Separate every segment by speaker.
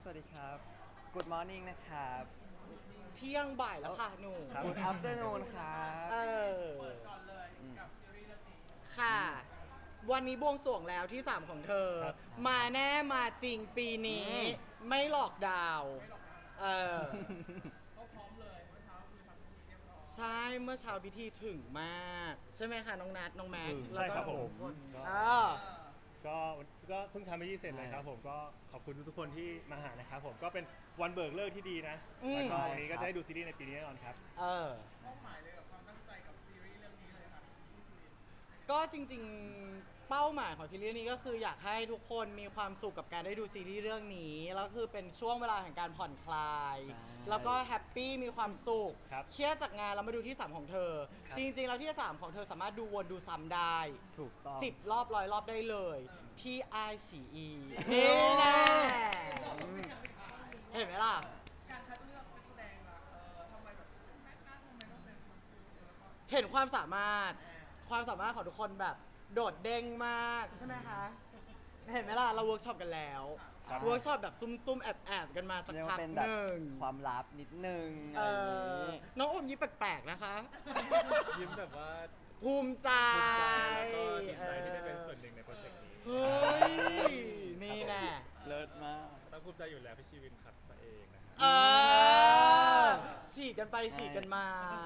Speaker 1: วัสดีครับ Good morning นะครับ
Speaker 2: เที่ยงบ่ายแล้วค่ะหนู
Speaker 1: Good afternoon ครับ
Speaker 2: เออ
Speaker 1: อืม
Speaker 2: ค่ะ วันนี้บวงสรวงแล้วที่ 3 ของเธอ
Speaker 3: ครับ
Speaker 2: มาแน่มาจริงปีนี้
Speaker 1: อืม
Speaker 2: ไม่หลอกดาวน์เออ ใช่เมื่อเช้าพิธีถึงมาก ใช่ไหมคะน้องนัทน้องแม็กซ์
Speaker 3: ใช่ครับ
Speaker 2: แล้วก็
Speaker 3: ผม
Speaker 2: เออ
Speaker 3: ก็เพิ่งทำพิธีเสร็จเลยครับผมก็ขอบคุณทุกๆคนที่มาหานะครับผมก็เป็นวันเบิกเลิกที่ดีนะ
Speaker 2: อืม
Speaker 3: แล้วก็วันนี้ก็จะได้ดูซีรีส์ในปีนี้แน่นอนครับ
Speaker 2: เออก็จริงๆ เป้าหมายของซีรีส์นี้ก็คืออยากให้ทุกคนมีความสุขกับการได้ดูซีรีส์เรื่องนี้ แล้วคือเป็นช่วงเวลาแห่งการผ่อนคลาย
Speaker 1: ใช่
Speaker 2: แล้วก็แฮปปี้มีความสุข
Speaker 3: ครับ
Speaker 2: เครียดจากงานเรามาดูที่ 3 ของเธอ
Speaker 1: ครับ
Speaker 2: จริงๆ แล้วที่ 3 ของเธอสามารถดูวนดูซ้ำได้
Speaker 1: ถูกต้อง
Speaker 2: 10 รอบ100 รอบได้เลย ที่ iQIYI นี่แน่เห็นไหมล่ะ เห็นความสามารถของทุกคนแบบโดดเด้งมากใช่ไหมคะ เห็นไหมล่ะ เราเวิร์กช็อปกันแล้ว
Speaker 1: ครับ
Speaker 2: เวิร์กช็อปแบบซุ่มๆ แอบๆ กันมาสัก
Speaker 1: เรียก
Speaker 2: พั
Speaker 1: ว่าก เป็น
Speaker 2: ห
Speaker 1: แบบ
Speaker 2: นึ่ง
Speaker 1: ความลับนิดนึง
Speaker 2: เอ
Speaker 1: อะไรอย่าง
Speaker 2: อ
Speaker 1: นี้
Speaker 2: น้องอมยิ้มแปลกๆ นะคะ
Speaker 3: ยิ้มแบบว่า
Speaker 2: ภูมิใจ
Speaker 3: ภูมิใจแล้วก็ดีใจที่ได้เป็นส่วนหนึ่งในโปรเจกต์นี้
Speaker 2: เฮ้ย นี่แน่
Speaker 1: เลิศมาก
Speaker 3: ต้องภูมิใจอยู่แล้วพี่ชีวินขัดตัวเองนะฮะ
Speaker 2: เออ ฉีกกันไปฉีกกันมา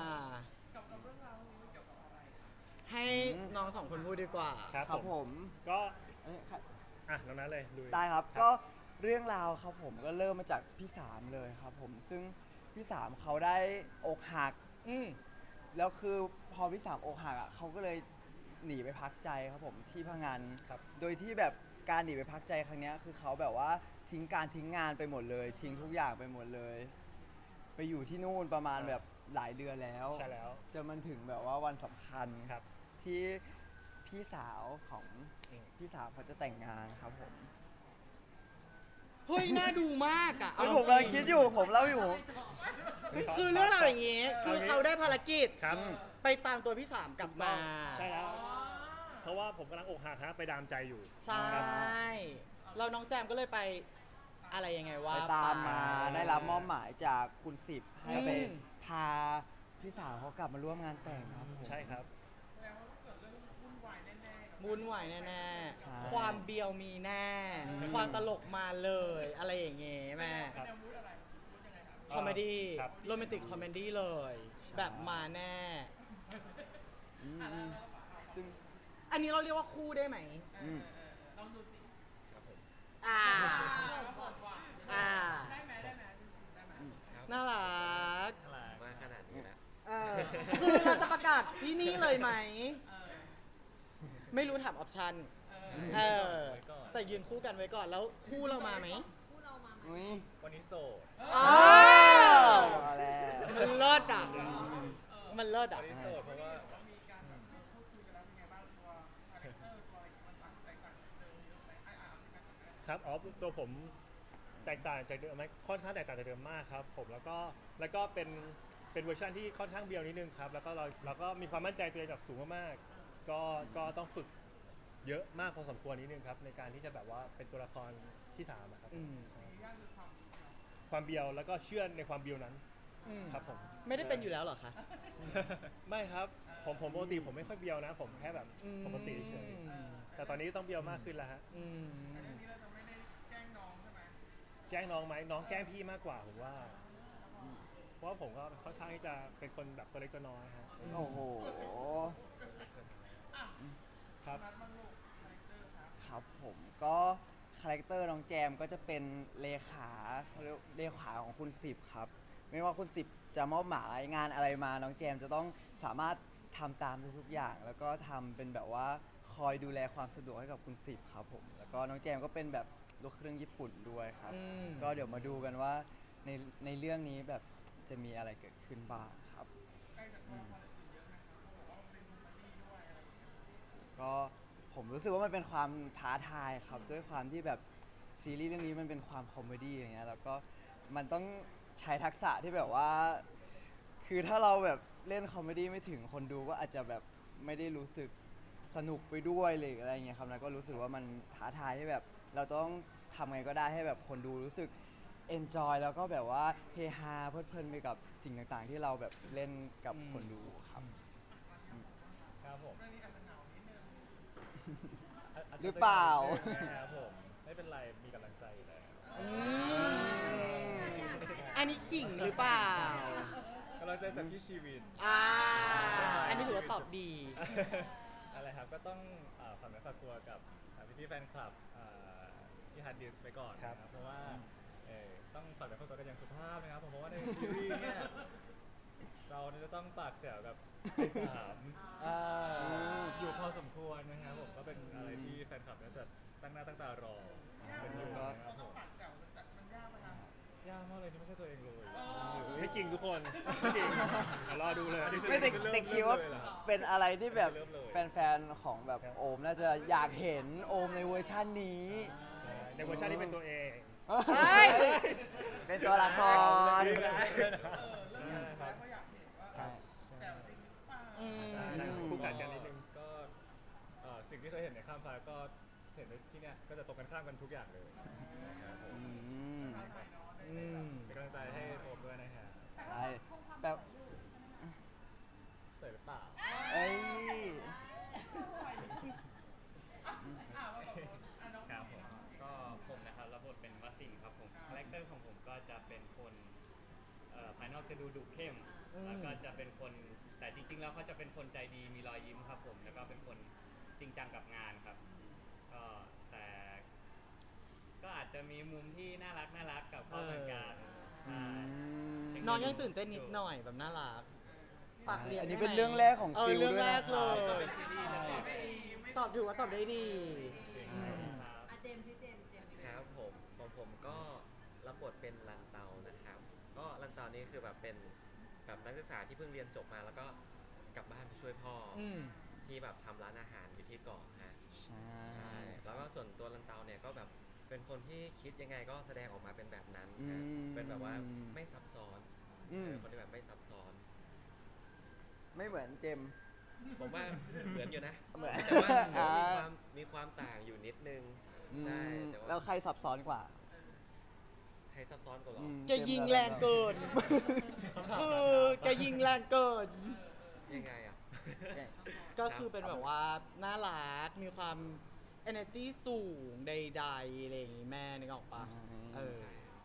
Speaker 2: ให้น้องสองคนพูดดีกว่า
Speaker 3: ครับ
Speaker 1: ครับผม
Speaker 3: ก็
Speaker 1: เอ้ยค่ะ
Speaker 3: อ่ะน้องนั้นเลยลุย
Speaker 1: ได้ครับ ก็เรื่องราวครับผมก็เริ่มมาจากพี่สามเลยครับผม ซึ่งพี่สามเขาได้อกหัก
Speaker 2: อืม
Speaker 1: แล้วคือพอพี่สามอกหักอ่ะเขาก็เลยหนีไปพักใจครับผมที่พังงาน
Speaker 3: ครับ
Speaker 1: โดยที่แบบการหนีไปพักใจครั้งเนี้ยคือเขาแบบว่าทิ้งการทิ้งงานไปหมดเลย ทิ้งทุกอย่างไปหมดเลย ไปอยู่ที่นู่นประมาณแบบหลายเดือนแล้ว
Speaker 3: ใช่แล้ว
Speaker 1: จนมันถึงแบบว่าวันสำคัญ
Speaker 3: ครับ
Speaker 1: ที่พี่สาวของ
Speaker 3: อืม
Speaker 1: พี่สาวเขาจะแต่งงานครับผม
Speaker 2: เฮ้ย น่าดูมากอ่ะ
Speaker 1: เฮ้ยผมกำลังคิดอยู่ผมเล่าอยู่
Speaker 2: คือเรื่องราวอย่างนี้ คือเขาได้ภารกิจ
Speaker 3: ครับ
Speaker 2: ไปตามตัวพี่สามกลับมา
Speaker 3: ใช่แล้ว เพราะว่าผมกำลังอกหักฮะไปดามใจอยู่
Speaker 2: ใช่ เราน้องแจมก็เลยไปอะไรยังไงวะ
Speaker 1: ไปตามมาได้รับมอบหมายจากคุณสิบให้ไป
Speaker 2: อืม
Speaker 1: พาพี่สาวเขากลับมาร่วมงานแต่งครับผม
Speaker 3: ใช่ครับ
Speaker 2: วุ่นวายแน่
Speaker 1: ใช่
Speaker 2: ๆ ความเบียวมีแน่ ความตลกมาเลย อะไรอย่างเงี้ยแม่
Speaker 3: ครับ
Speaker 2: คอมเมดี้
Speaker 3: ครับ
Speaker 2: โรแมนติกคอมเมดี้เลย แบบมาแน่
Speaker 1: อืมซึ่ง
Speaker 2: อันนี้เราเรียกว่าคู่ได้ไหม
Speaker 1: อืม
Speaker 2: อ่า อ่า น่ารัก
Speaker 4: มาขนาดนี้แล้ว
Speaker 2: เออคือเราจะประกาศที่นี่เลยไหม ไม่รู้ถามออปชั่น เออ แต่ยืนคู่กันไว้ก่อน แล้วคู่เรามาไหม
Speaker 1: อุ้ย
Speaker 3: วันนี้โสด
Speaker 2: อ้าว
Speaker 1: มาแล้ว
Speaker 2: มันเลิศอ่ะ มันเลิศอ่ะ
Speaker 3: วันนี้โสดเพราะว่า ครับอ๋อตัวผมแตกต่างจากเดิมไหมค่อนข้างแตกต่างจากเดิมมากครับผมแล้วก็เป็นเวอร์ชันที่ค่อนข้างเบียวนิดนึงครับแล้วก็เราก็มีความมั่นใจตัวเองแบบสูงมากๆก็ต้องฝึกเยอะมากพอสมควรนิดนึงครับในการที่จะแบบว่าเป็นตัวละครที่สามอะครับ
Speaker 2: อืม
Speaker 3: ความเบียวแล้วก็เชื่อในความเบียวนั้น
Speaker 2: อืม
Speaker 3: ครับผม
Speaker 2: ไม่ได้เป็นอยู่แล้วเหรอคะ
Speaker 3: ไม่ครับผมปกติผมไม่ค่อยเบียวนะ ผมแค่แบบปกติเฉยแต่ตอนนี้ต้องเบียวมากขึ้นแล้วฮะ
Speaker 2: อืม
Speaker 3: แกล้งน้องไหมน้องแกล้งพี่มากกว่าผมว่าเพราะว่าผมก็ค่อนข้างที่จะเป็นคนแบบตัวเล็กตัวน้อยฮะ
Speaker 1: โอ้โห
Speaker 3: ครับ
Speaker 1: ครับผมก็คาแรคเตอร์น้องแจมก็จะเป็นเลขาเขาเรียกเลขาของคุณสิบครับ ไม่ว่าคุณสิบจะมอบหมายงานอะไรมาน้องแจมจะต้องสามารถทำตามทุกๆอย่าง แล้วก็ทำเป็นแบบว่าคอยดูแลความสะดวกให้กับคุณสิบครับผมแล้วก็น้องแจมก็เป็นแบบลูกครึ่งญี่ปุ่นด้วยครับ
Speaker 2: อืม
Speaker 1: ก็เดี๋ยวมาดูกันว่าในเรื่องนี้แบบจะมีอะไรเกิดขึ้นบ้างครับอืมก็ผมรู้สึกว่ามันเป็นความท้าทายครับ ด้วยความที่แบบซีรีส์เรื่องนี้มันเป็นความคอมเมดี้อย่างเงี้ยแล้วก็มันต้องใช้ทักษะที่แบบว่า คือถ้าเราแบบเล่นคอมเมดี้ไม่ถึงคนดูก็อาจจะแบบไม่ได้รู้สึกสนุกไปด้วยเลยอะไรเงี้ยครับแล้วก็รู้สึกว่ามันท้าทายที่แบบเราต้องทำไงก็ได้ให้แบบคนดูรู้สึก enjoy แล้วก็แบบว่าเฮฮาเพลิดเพลินไปกับสิ่งต่างๆ ที่เราแบบเล่นกับคนดูครับ
Speaker 3: ครับผม
Speaker 1: หรือเปล่า
Speaker 3: ครับผมไม่เป็นไรมีกำลังใจอยู่แล้ว
Speaker 2: อืมอันนี้ขิงหรือเปล่า
Speaker 3: กำลังใจจากพี่ชีวิน
Speaker 2: อ่า อันนี้ถือว่าตอบดี
Speaker 3: อะไรครับก็ต้องฝากเนื้อฝากตัวกับพี่ๆแฟนคลับที่ฮาร์ดดิสไปก่อนนะครับเพราะว่าต้องฝากเนื้อฝากตัวกันอย่างสุภาพนะครับผมเพราะว่าในซีรีส์เนี่ยเราเนี่ยจะต้องปากแจ๋วกับไอ้สามอยู่พอสมควรนะครับผมก็เป็นอะไรที่แฟนคลับเนี่ยจะตั้งหน้าตั้งตารอเป็นอยู่นะครับผมยากมากเลยที่ไม่ใช่ตัวเองเลยไม่จริงทุกคนไม่จริงรอดูเลย
Speaker 1: ไม่แต่คิดว่า
Speaker 3: เริ่มเลยเหรอ
Speaker 1: เป็นอะไรที่แบบ
Speaker 3: เริ่มเลย
Speaker 1: แฟนๆของแบบโอมน่าจะอยากเห็นโอมในเวอร์ชันนี้
Speaker 3: ในเวอร์ชันที่เป็นตัวเอง
Speaker 1: เฮ้ยเป็นตัวละคร
Speaker 2: อืม
Speaker 3: ใช่คู่กัดกันนิดนึงก็สิ่งที่เคยเห็นในข้ามฟ้าก็เห็นในที่เนี้ยก็จะตรงกันข้ามกันทุกอย่างเลยนะครับผม
Speaker 2: อืม
Speaker 3: เป็นกำลังใจให้โอมด้วยนะครับ
Speaker 1: ใช่แบบ
Speaker 3: สวยหรือเปล่า
Speaker 1: เอ้ย
Speaker 3: ครับผม
Speaker 4: ก็ผมนะครับรับบทเป็นวสินทร์ครับผมคาแรคเตอร์ของผมก็จะเป็นคนภายนอกจะดูดุเข้ม แล้วก็จะเป็นคนแต่จริงๆแล้วเขาจะเป็นคนใจดีมีรอยยิ้มครับผมแล้วก็เป็นคนจริงจังกับงานครับก็แต่ก็อาจจะมีมุมที่น่ารักกับเขาเหมือนกัน
Speaker 1: อืม
Speaker 2: น้องยังตื่นเต้นนิดหน่อยแบบน่ารักฝากเรียน
Speaker 1: อันนี้
Speaker 2: ได้ไหม
Speaker 1: เป็นเรื่องแรกของฟิล
Speaker 2: เรื่อง
Speaker 1: ด้วย
Speaker 2: แร
Speaker 1: นะ
Speaker 2: ก
Speaker 1: ค
Speaker 2: เล
Speaker 1: รับ
Speaker 2: ย
Speaker 4: เป็นซีรีส์นะครับ
Speaker 2: ตอบถูกว่าตอบได้ดี
Speaker 4: ครับ
Speaker 5: เจมส์พี่เจมส์
Speaker 6: ครับผมของผมก็รับบทเป็นรันเตานะครับ ก็รันเตานี่คือแบบเป็นแบบนักศึกษาที่เพิ่งเรียนจบมาแล้วก็กลับบ้านไปช่วยพ่ออ
Speaker 2: ม
Speaker 6: ที่แบบทำร้านอาหารอยู่ที่เกาะฮะ
Speaker 1: ใช่
Speaker 6: ใช่แล้วก็ส่วนตัวรันเตาเนี่ยก็แบบเป็นคนที่คิดยังไงก็แสดงออกมาเป็นแบบนั้นฮะเป็นแบบว่าไม่ซับซ้อน
Speaker 1: อืม
Speaker 6: คนที่แบบไม่ซับซ้อน
Speaker 1: ไม่เหมือนเจมส์
Speaker 6: ผมว่าเหมือนอยู่นะ
Speaker 1: เหมือน
Speaker 6: แต่ว่ามีความต่างอยู่นิดนึงใช่แต่
Speaker 1: แล้ว
Speaker 6: ว่า
Speaker 1: ใครซับซ้อนกว่า
Speaker 6: ใครซับซ้อนกว่าหรอ
Speaker 1: อืม
Speaker 2: แกยิงแรงเกิน คือแกยิงแรงเกิน
Speaker 6: ยังไงอ่ะ
Speaker 2: ก็คือเป็นแบบว่าน่ารัก มีความ energy สูงใดๆอะไรอย่างงี้แม่นึกออกปะ
Speaker 1: อืม
Speaker 2: เออ
Speaker 6: ใช่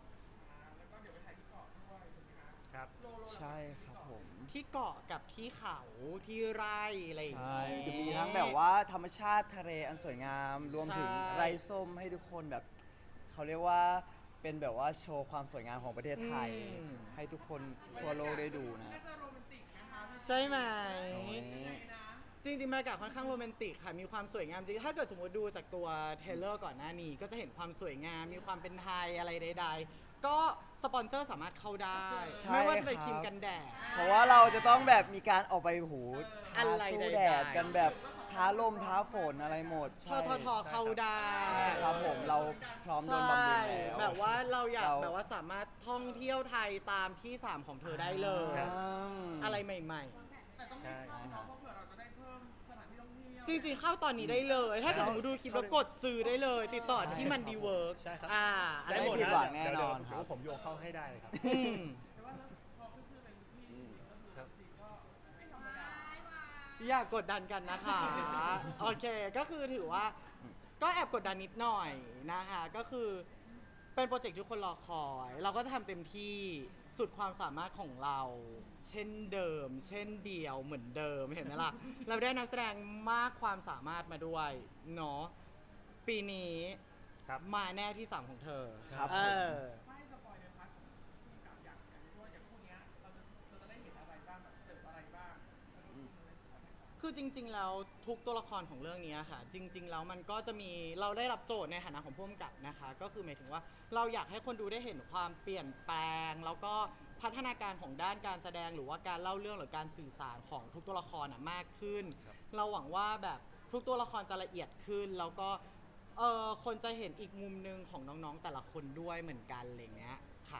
Speaker 3: ครับ
Speaker 1: ใช่ครับผม
Speaker 2: ที่เกาะกับที่เขาที่ไร่อะไรอย่าง
Speaker 1: ใช่
Speaker 2: งี้
Speaker 1: จะมีทั้งแบบว่าธรรมชาติทะเลอันสวยงาม รวมถึง
Speaker 2: ใช่
Speaker 1: ไร่ส้มให้ทุกคนแบบ เขาเรียกว่าเป็นแบบว่าโชว์ความสวยงามของประเทศไทย ให้ทุกคนทั่วโลกได้ดูนะ
Speaker 2: ใช่ไหม
Speaker 1: โอ้ย
Speaker 2: จริงๆบรรยากาศค่อนข้างโรแมนติกค่ะ มีความสวยงามจริง ถ้าเกิดสมมติดูจากตัวเทรลเลอร์ก่อนหน้านี้ ก็จะเห็นความสวยงาม มีความเป็นไทยอะไรใดๆ ก็สปอนเซอร์สามารถเข้าได้
Speaker 1: ใช่
Speaker 2: ไม่ว่าจะเป็น
Speaker 1: ครับ
Speaker 2: ครีมกันแดด
Speaker 1: เพราะว่าเราจะต้องแบบมีการออกไปหูท้า
Speaker 2: อะไร
Speaker 1: สู้
Speaker 2: ใดๆ
Speaker 1: แดดกันแบบท้าลมท้าฝนอะไรหมด
Speaker 2: ท
Speaker 1: ใช่
Speaker 2: ทเข้าได้
Speaker 1: ใช่ครับผมเราพร้อมโดนบำรุงแล้ว
Speaker 2: แบบว่าเราอยาก
Speaker 1: เรา
Speaker 2: แบบว่าสามารถท่องเที่ยวไทยตามที่ 3 ของเธอได้เลย
Speaker 3: ครับ
Speaker 2: อะไรใหม่
Speaker 3: ใช่
Speaker 2: ๆ จริงๆ เข้าตอนนี้ได้เลย ถ้าเกิดสมมติดูคลิปแล้วกดซื้อได้เลย ติดต่อที่มันดีเวิร์ก
Speaker 3: ใช่ครับ
Speaker 2: อะไร
Speaker 3: ได้หมด
Speaker 1: ไม่ผิด
Speaker 3: นะ
Speaker 1: หวังแน่
Speaker 3: เดี๋ยวน
Speaker 1: อนครับ
Speaker 3: เดี๋ยวผมโยงเข้าให้ได้เลยครับ
Speaker 2: อืม
Speaker 3: ครับ
Speaker 2: อย่ากกดดันกันนะคะ โอเค ก็คือถือว่าก็แอบกดดันนิดหน่อยนะคะ ก็คือเป็นโปรเจกต์ที่ทุกคนรอคอย เราก็จะทำเต็มที่สุดความสามารถของเรา เช่นเดิม เช่นเดียวเหมือนเดิมเห็นไหมล่ะ เราได้นักแสดงมากความสามารถมาด้วยเนาะปีนี้
Speaker 3: ครับ
Speaker 2: มาแน่ที่ 3 ของเธอ
Speaker 1: ครับ
Speaker 2: เอ
Speaker 1: ผม
Speaker 2: อ คือจริง ๆ แล้วทุกตัวละครของเรื่องนี้ค่ะ จริง ๆ แล้วมันก็จะมีเราได้รับโจทย์ในฐานะของผู้กำกับนะคะ ก็คือหมายถึงว่าเราอยากให้คนดูได้เห็นความเปลี่ยนแปลง แล้วก็พัฒนาการของด้านการแสดงหรือว่าการเล่าเรื่องหรือการสื่อสารของทุกตัวละครมากขึ้น เราหวังว่าแบบทุกตัวละครจะละเอียดขึ้น แล้วก็คนจะเห็นอีกมุมหนึงของน้องๆแต่ละคนด้วยเหมือนกันอะไรเงี้ยค่ะ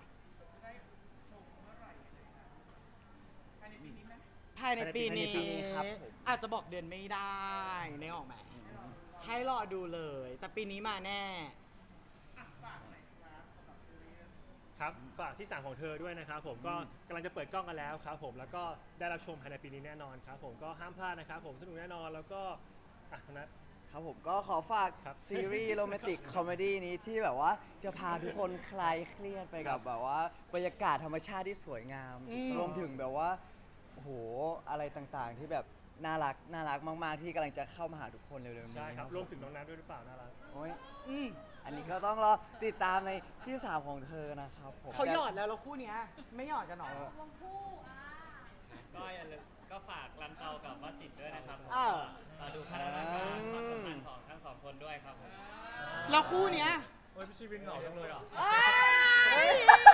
Speaker 2: ภายในปีนี้
Speaker 1: ภายในปีนี้ครับผม
Speaker 2: อาจจะบอกเดือนไม่ได้นึกออกไหมให้รอดูเลย แต่ปีนี้มาแน่
Speaker 3: ครับฝากที่3ของเธอด้วยนะครับผมก็กำลังจะเปิดกล้องกันแล้วครับผมแล้วก็ได้รับชมภายในปีนี้แน่นอนครับผมก็ห้ามพลาดนะครับผมสนุกแน่นอนแล้วก็นัท
Speaker 1: ครับผมก็ขอฝาก
Speaker 3: ครับ
Speaker 1: ซีรีส์โรแมนติกคอมเมดี้นี้ที่แบบว่าจะพาทุกคนคลายเครียดไปกับแบบว่าบรรยากาศธรรมชาติที่สวยงาม รวมถึงแบบว่าโอ้โหอะไรต่างๆ ที่แบบน่ารักมากๆที่กำลังจะเข้ามาหาทุกคนเร็วๆนี้
Speaker 3: ใช่ครับ
Speaker 1: ผม
Speaker 3: รวมถึงน้องนัทด้วยหรือเปล่าน่ารัก
Speaker 1: โอ้ย
Speaker 2: อืม
Speaker 1: อันนี้ก็ต้องรอติดตามในที่ 3 ของเธอนะครับผม
Speaker 2: เขาหยอดแล้วคู่เนี้ยไม่หยอดกันหรอ
Speaker 5: วงคู่
Speaker 4: ก็อย่าลืมก็ฝากลันเตากับวสินทร์ด้วยนะครับผม
Speaker 2: อ้าว
Speaker 4: มาดูพัฒนาการความสัมพันธ์ของทั้งสองคนด้วยครับผม
Speaker 2: แล้วคู่เนี้ย
Speaker 3: โอ้ยพี่ชีวินเหงาจังเลยอ่ะ
Speaker 2: เอ้ย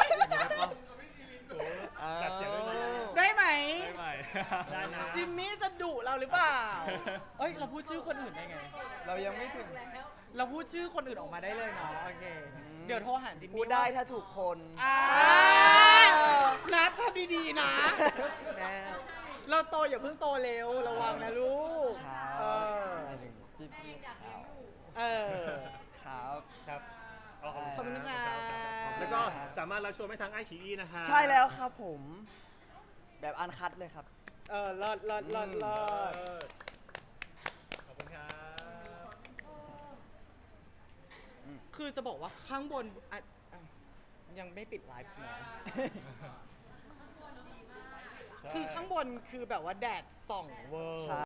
Speaker 3: ตัดเสียงด้วยนะ
Speaker 2: ได้ไหม
Speaker 4: ไม่ไหว
Speaker 3: ได้นะ
Speaker 2: จิมมี่จะดุเราหรือเปล่า เอ้ย เราพูดชื่อคนอื่นได้ไง
Speaker 1: เรายังไม่ถึง
Speaker 2: เราพูดชื่อคนอื่นออกมาได้เลยเนาะ โอเค เดี๋ยวโทรหาจิมมี่
Speaker 1: พูดได้ถ้าถูกคน
Speaker 2: อ่านัดทำดีๆนะ
Speaker 1: แน่
Speaker 2: เราโตอย่าเพิ่งโตเร็ว ระวังนะลูก
Speaker 1: ครับ
Speaker 2: เออ
Speaker 1: หมายถึงพี่ๆเขา
Speaker 2: เออ
Speaker 1: ครับ
Speaker 3: ครับ
Speaker 2: ขอบคุณค่ะ
Speaker 3: แล้วก็สามารถรับชมได้ทางไอชีอีนะคะ
Speaker 1: ใช่แล้วครับผม แบบอันคัดเลยครับ
Speaker 2: เออเลิศ
Speaker 3: ขอบคุณครับ
Speaker 2: คือจะบอกว่าข้างบนยังไม่ปิดไลฟ์นะคือข้างบนคือแบบว่าแดดส่องเวอร์
Speaker 1: ใช่